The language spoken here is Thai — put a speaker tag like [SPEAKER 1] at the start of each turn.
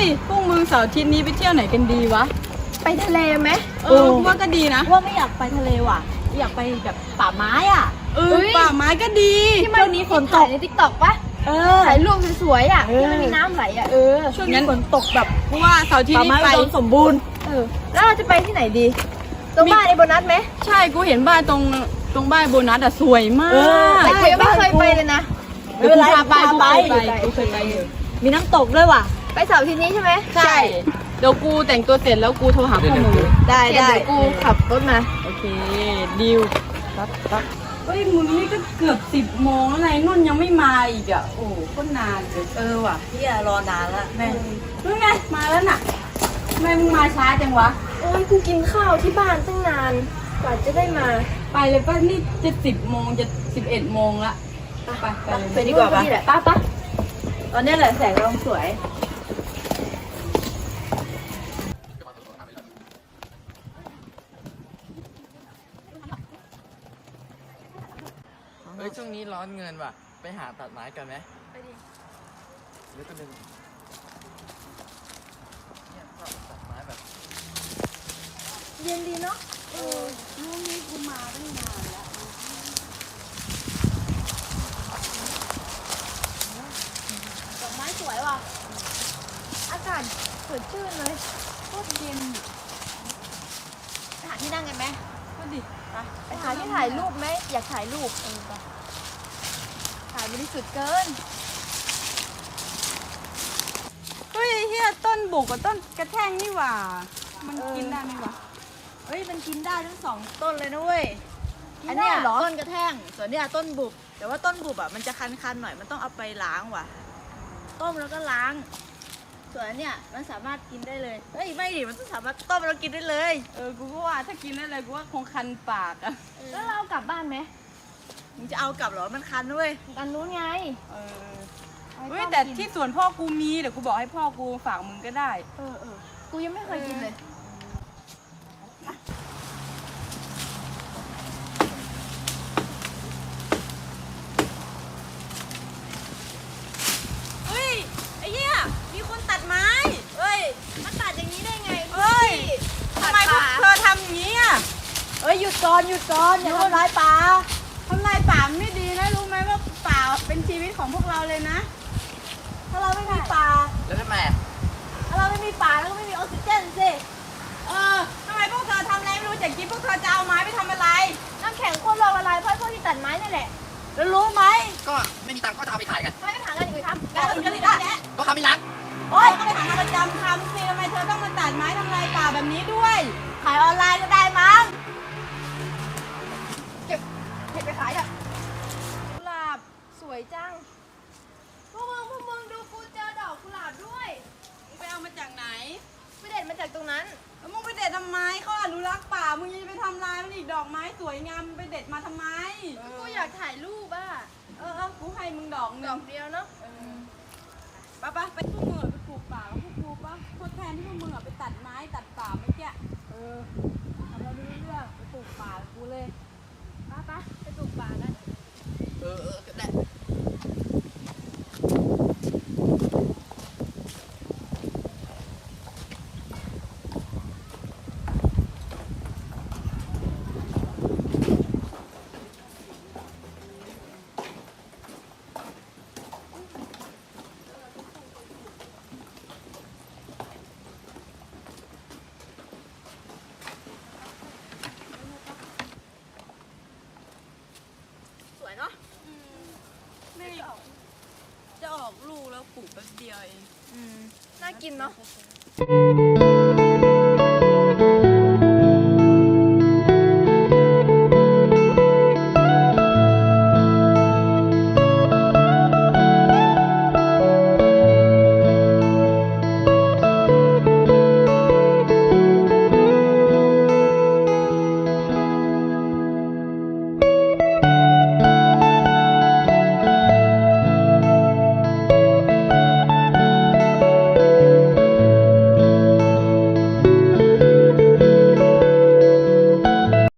[SPEAKER 1] ยพวกมึงเสาร์อาทิตย์นี้ไปเที่ยวไหนกันดีวะ
[SPEAKER 2] ไปทะเลไหม
[SPEAKER 1] ว่าก็ดีนะ
[SPEAKER 3] ว่าไม่อยากไปทะเลว่ะอยากไปแบบป่าไม้อ่ะ
[SPEAKER 1] ป่าไม้ก็ดี
[SPEAKER 2] ที่มันมีฝนตกในทิกตอกปะถ่ายรูปสวยๆอ่ะที่มันมีน้ำไหลอ่ะ
[SPEAKER 3] ช่วงนี้ฝนตกแบบ
[SPEAKER 1] เพราะว่าเสาร์อาทิตย์นี้ไป
[SPEAKER 3] สมบูรณ์
[SPEAKER 2] แล้วเราจะไปที่ไหนดีตรงบ้านไอ้โบนัสไหม
[SPEAKER 1] ใช่กูเห็นบ้านตรงบ้านโบนัสอะสวยมาก
[SPEAKER 2] แต่กูยังไม่เคยไปเลยนะ
[SPEAKER 3] ไม่เป็นไรพาไป
[SPEAKER 1] กูเคยไป
[SPEAKER 3] มีน้ำตกด้วยว่ะ
[SPEAKER 2] ไปเสาร์อาทิตย์นี้ใช่ไหม
[SPEAKER 1] ใช่เดี๋ยวกูแต่งตัวเสร็จแล้วกูโทรหาพ่อมึง
[SPEAKER 2] ได้เดี๋ยวกูขับรถมา
[SPEAKER 1] โอเคดิวปั๊บเฮ้ยมึงนี่ก็เกือบ10 โมงแล้วไงนุ่นยังไม่มาอีกอ่ะโอ้ก็นานเลย
[SPEAKER 3] ว่ะพี่รอนานแล้วแม่
[SPEAKER 1] รู้ไงมาแล้วน่ะทำไมมึงมาช้าจังวะ
[SPEAKER 2] โอ้ยกูกินข้าวที่บ้านตั้งนานกว่าจะได้มา
[SPEAKER 1] ไปเลยป่ะนี่จะ10 โมงจะ11 โมงละ
[SPEAKER 3] ไปดีกว่าป่ะตอนนี้แหละแสงลงสวย
[SPEAKER 4] เฮ้ยช่วงนี้ร้อนเงินว่ะไปหาตัดไม้กันไหม
[SPEAKER 2] ไปดิ
[SPEAKER 4] หรือก็ดึงเนี่ยตัดไม้แบบ
[SPEAKER 2] เย็นดีเนาะ
[SPEAKER 1] ช่วงนี้กูมาตั้งนานแล้ว
[SPEAKER 2] ดอกไม้สวยว่ะอากาศสดชื่นเลย
[SPEAKER 1] โคตรเย็น
[SPEAKER 2] ไปหาที่นั่งกันไหม
[SPEAKER 1] ก็ดิ
[SPEAKER 2] ไปหาที่ถ่ายรูปไหมอยากถ่ายรูปถ่ายบริสุทธิ์เกิน
[SPEAKER 1] เฮ้ยเฮียต้นบุกกับต้นกระแทงนี่หว่ามันกินได้ไหมวะ
[SPEAKER 3] เฮ้ยมันกินได้ทั้ง2 ต้นเลยนะเว้ยอันนี้ต้นกระแทงส่วนนี้ต้นบุบแต่ว่าต้นบุบอ่ะมันจะคันๆหน่อยมันต้องเอาไปล้างว่ะต้มแล้วก็ล้างส่วนอันเนี้ยมันสามารถกินได้เลยเฮ้ยไม่ดิมันต้องสามารถต้มแล้วกินได้เลย
[SPEAKER 1] กูก็ว่าถ้ากินได้เลยกูว่าคงคันปากอะ
[SPEAKER 2] แล้วเรากลับบ้านไหม
[SPEAKER 3] มึงจะเอากลับเหรอมันคันด้วย
[SPEAKER 2] กันนู้นไง
[SPEAKER 1] เฮ้ยแต่ที่สวนพ่อกูมีเดี๋ยวกูบอกให้พ่อกูฝากมึงก็ได้
[SPEAKER 2] กูยังไม่เคยกินเลย
[SPEAKER 1] เฮ้ยไอ้เหี้ยมีคนตัดไม้
[SPEAKER 2] เฮ้ยมันตัดอย่างนี้ได้ไง
[SPEAKER 1] เฮ้ยทำไมพวกเธอทำอย่างนี้อ่ะ
[SPEAKER 3] หยุดก่อนอย่าทำร้ายป่า
[SPEAKER 1] ทำลายป่าไม่ดีนะรู้ไหมว่าป่าเป็นชีวิตของพวกเราเลยนะ
[SPEAKER 3] ถ้าเราไม่มีป่า
[SPEAKER 4] แล้วทำไม
[SPEAKER 3] ถ้าเราไม่มีป่าแล้วก็ไม่มีออกซิเจนสิ
[SPEAKER 1] ทำไมพวกเธอทำอะไรไม่รู้จักกินพวกเธอจะเอาไม้ไปทำอะไร
[SPEAKER 2] น้ำแข็งโคตรละลายเพราะพวกที่ตัดไม้นี่แหละ
[SPEAKER 3] แล้วรู้ไหม
[SPEAKER 4] ก็ไม่มีตังค์ก็จะเอาไปขายกัน
[SPEAKER 2] ไม่ถามกันอีกทำ
[SPEAKER 1] กันอื่นก็ได้
[SPEAKER 4] ก็ทำไม่รัก
[SPEAKER 1] โอ๊ยก็ไปหางานประจำทำสิทำไมเธอต้องมาตัดไม้ทำลายป่าแบบนี้ด้วย
[SPEAKER 3] ขายออนไลน์ก็ได้มั้ง
[SPEAKER 2] เก็บเห็ดไปขายอ่ะกุหลาบสวยจังพวกมึงดูกูเจอดอกกุหลาบด้วย
[SPEAKER 1] มึงไปเอามาจากไหน
[SPEAKER 2] ไปเด็ดมาจากตรงนั้น
[SPEAKER 1] แล้วมึงไปเด็ดทำไมเขาอนุรักษ์ป่ามึงยังไปทำลายมันอีกดอกไม้สวยงามไปเด็ดมาทำไม
[SPEAKER 2] กูอยากถ่ายรูปอ่ะ
[SPEAKER 1] กูให้มึงดอก
[SPEAKER 2] เดียวเนาะ
[SPEAKER 1] ไปพวกมึงไปปลูกป่าพวกกูปะทดแทนที่พวกมึงไปตัดไม้ตัดป่าเมื่อกี้
[SPEAKER 2] ทำเราดูเรื่องไปปลูกป่ากูเลยไปปลูกป่ากัน
[SPEAKER 4] ก็ได้
[SPEAKER 2] เนาะ
[SPEAKER 1] ไม่จะออกลูกแล้วปลูกแป๊บเดียวเอง
[SPEAKER 2] น่ากินเนาะ